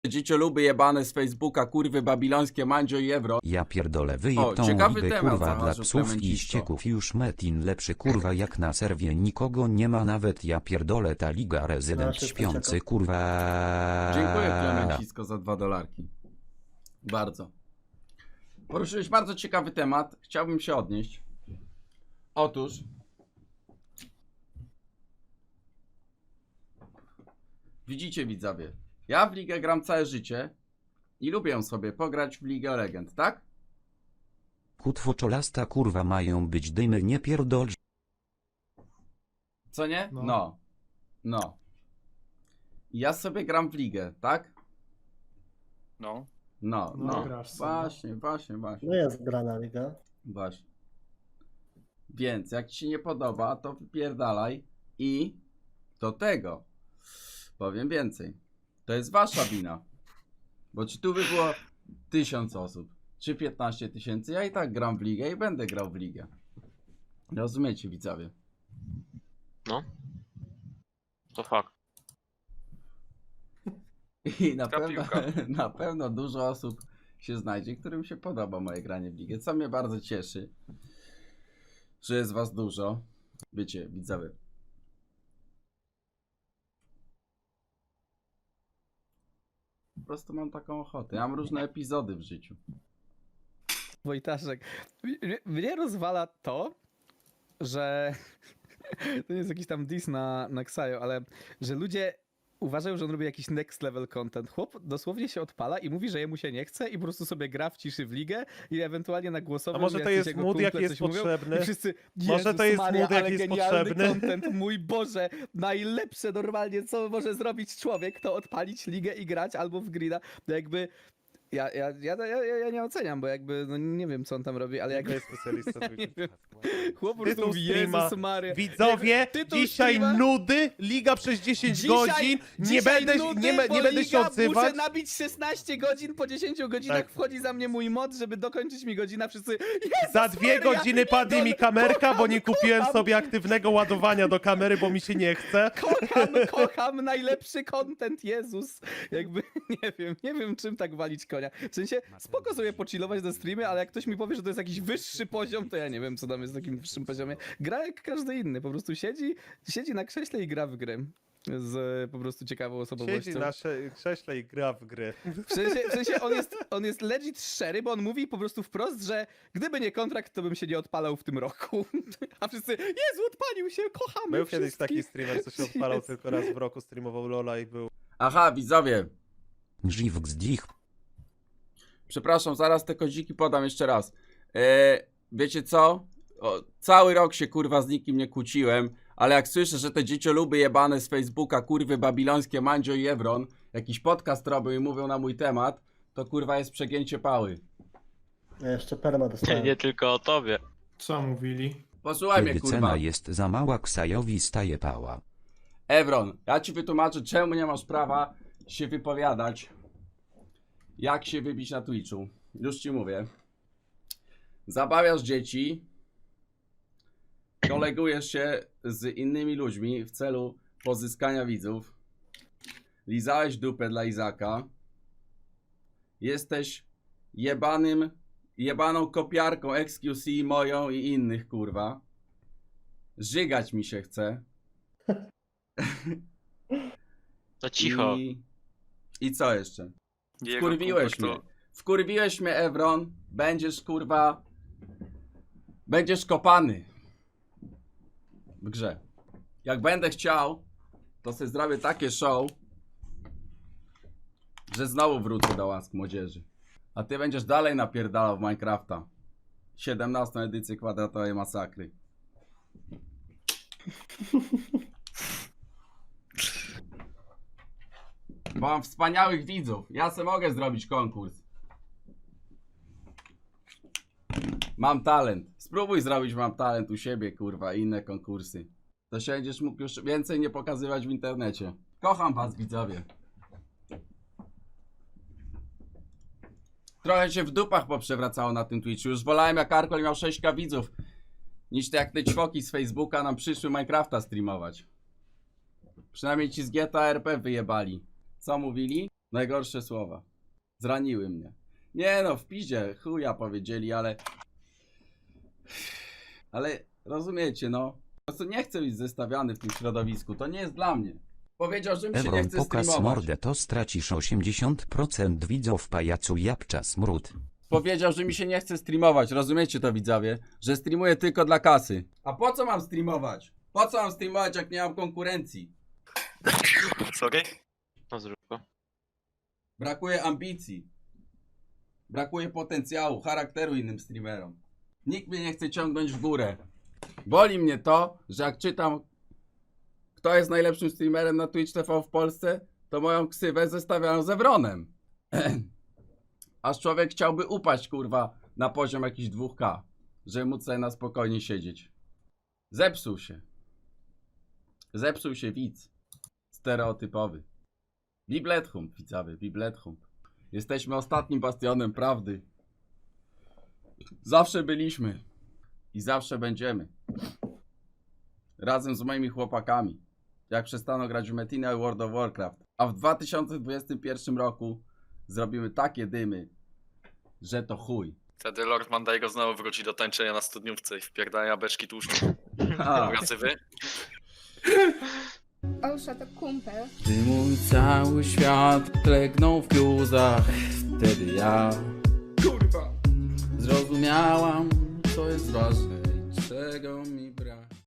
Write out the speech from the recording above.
Dziecioluby jebane z Facebooka, kurwy babilońskie, Mandzio i Evron. Ja pierdolę, O, wyjeb tą ciekawy ligę temat kurwa dla znalazł psów i Clementisto. ścieków już Metin lepszy kurwa jak na serwie nikogo nie ma nawet ja pierdolę ta liga rezydent szybko śpiący czekam. kurwa. Dziękuję Clementisko za $2. Bardzo. Poruszyłeś bardzo ciekawy temat. Chciałbym się odnieść. Otóż widzicie widzowie, ja w ligę gram całe życie i lubię sobie pograć w Ligę Legend, tak? Kutwoczolasta kurwa mają być dymy nie pierdol. Co nie? No. No. I ja sobie gram w ligę, tak? No. No. grasz sobie. Właśnie. No jest grana liga. Właśnie. Więc jak ci się nie podoba, to wypierdalaj i do tego powiem więcej. To jest wasza wina. Bo czy tu by było 1000 osób, czy 15 000, ja i tak gram w ligę i będę grał w ligę. Rozumiecie, widzowie? No. To fakt. I piłka. na pewno dużo osób się znajdzie, którym się podoba moje granie w ligę, co mnie bardzo cieszy, że jest was dużo. Wiecie, widzowie. Po prostu mam taką ochotę. Ja mam różne epizody w życiu. Wojtaszek, mnie rozwala to, że to nie jest jakiś tam diss na Ksajo, ale że ludzie uważają, że on robi jakiś next level content. Chłop dosłownie się odpala i mówi, że jemu się nie chce i po prostu sobie gra w ciszy w ligę i ewentualnie na głosowo. A może to jest mood, jaki jest potrzebny? I wszyscy, Może to jest Maria, mood, ale jaki jest genialny potrzebny? content, mój Boże, najlepsze normalnie, co może zrobić człowiek, to odpalić ligę i grać albo w grida. No jakby ja nie oceniam, bo jakby, no nie wiem, co on tam robi, ale To jakby jest specjalista. nie wiem. Chłop po prostu Tytuł mówi, streama. Jezus Maria. Widzowie, Tytuł dzisiaj streama. nudy, liga przez 10 godzin, nie Dzisiaj będę, nudy, nie, bo nie będę się liga odzywać. Muszę nabić 16 godzin, po 10 godzinach Tak. wchodzi za mnie mój mod, żeby dokończyć mi godzina, wszyscy Jezus Za 2 Maria, godziny padnie mi kamerka, bo nie kupiłem kocham. sobie aktywnego ładowania do kamery, bo mi się nie chce. kocham, najlepszy content, Jezus. Jakby, nie wiem czym tak walić konia. W sensie, spoko sobie pochillować na streamie, ale jak ktoś mi powie, że to jest jakiś wyższy poziom, to ja nie wiem, co tam jest w takim wyższym poziomie. Gra jak każdy inny, po prostu siedzi na krześle i gra w gry. Z po prostu ciekawą osobowością. Siedzi na krześle i gra w gry. W sensie on jest legit szczery, bo on mówi po prostu wprost, że gdyby nie kontrakt, to bym się nie odpalał w tym roku. A wszyscy, Jezu, odpalił się, kochamy Był kiedyś taki wszystkich. streamer, co się odpalał Jezu. tylko raz w roku, streamował Lola i był... Aha, widzowie. Żiw gzdich. Przepraszam, zaraz te koziki podam jeszcze raz. Wiecie co? Cały rok się kurwa z nikim nie kłóciłem, ale jak słyszę, że te dziecioluby jebane z Facebooka, kurwy babilońskie, Mandzio i Evron, jakiś podcast robią i mówią na mój temat, to kurwa jest przegięcie pały. Ja jeszcze perma dostałem. Nie tylko o tobie. Co mówili? Posłuchaj mnie Kiedy kurwa. cena jest za mała Ksajowi staje pała. Evron, ja ci wytłumaczę, czemu nie masz prawa się wypowiadać, jak się wybić na Twitchu. Już ci mówię. Zabawiasz dzieci, kolegujesz się z innymi ludźmi w celu pozyskania widzów, lizałeś dupę dla Izaka, jesteś jebaną kopiarką XQC moją i innych, kurwa. Żygać mi się chce. No cicho. I co jeszcze? Jego Wkurwiłeś kumpel mnie. to- Wkurwiłeś mnie, Evron. Będziesz, kurwa... Będziesz kopany. W grze. Jak będę chciał, to sobie zrobię takie show, że znowu wrócę do łask młodzieży. A ty będziesz dalej napierdalał w Minecrafta. 17 edycję kwadratowej masakry. Bo mam wspaniałych widzów. Ja se mogę zrobić konkurs. Mam talent. Spróbuj zrobić Mam talent u siebie, kurwa, i inne konkursy. To się będziesz mógł już więcej nie pokazywać w internecie. Kocham was, widzowie. Trochę się w dupach poprzewracało na tym Twitchu. Już wolałem, jak Arkol miał 6K widzów, niż te jak te ćwoki z Facebooka nam przyszły Minecrafta streamować. Przynajmniej ci z GTA RP wyjebali. Co mówili? Najgorsze słowa. Zraniły mnie. Nie no, w piździe chuja powiedzieli, ale... Ale rozumiecie, no. Po prostu nie chcę być zestawiany w tym środowisku. To nie jest dla mnie. Powiedział, że mi się nie Evron chce pokaz streamować. mordę to stracisz 80% widzów pajacu Japcza smród. Powiedział, że mi się nie chce streamować. Rozumiecie to, widzowie? Że streamuję tylko dla kasy. A po co mam streamować? Po co mam streamować, jak nie mam konkurencji? Sorry? No zrób go. Brakuje ambicji. Brakuje potencjału, charakteru innym streamerom. Nikt mnie nie chce ciągnąć w górę. Boli mnie to, że jak czytam, kto jest najlepszym streamerem na Twitch TV w Polsce, to moją ksywę zestawiają z Evronem. Aż człowiek chciałby upaść, kurwa, na poziom jakiś 2K, żeby móc sobie na spokojnie siedzieć. Zepsuł się. Zepsuł się widz. Stereotypowy. Biblethump, widzowie, Biblethump. Jesteśmy ostatnim bastionem prawdy. Zawsze byliśmy. I zawsze będziemy. Razem z moimi chłopakami. Jak przestaną grać w Metinę i World of Warcraft. A w 2021 roku zrobimy takie dymy, że to chuj. Wtedy Lord Mandaigo znowu wróci do tańczenia na studniówce i wpierdania beczki tłuszczu. Ha. Jacy wy? Olsza to kumpel. Ty mój cały świat klegnął w bluzach. Wtedy ja, kurwa, zrozumiałam, co jest ważne i czego mi brak.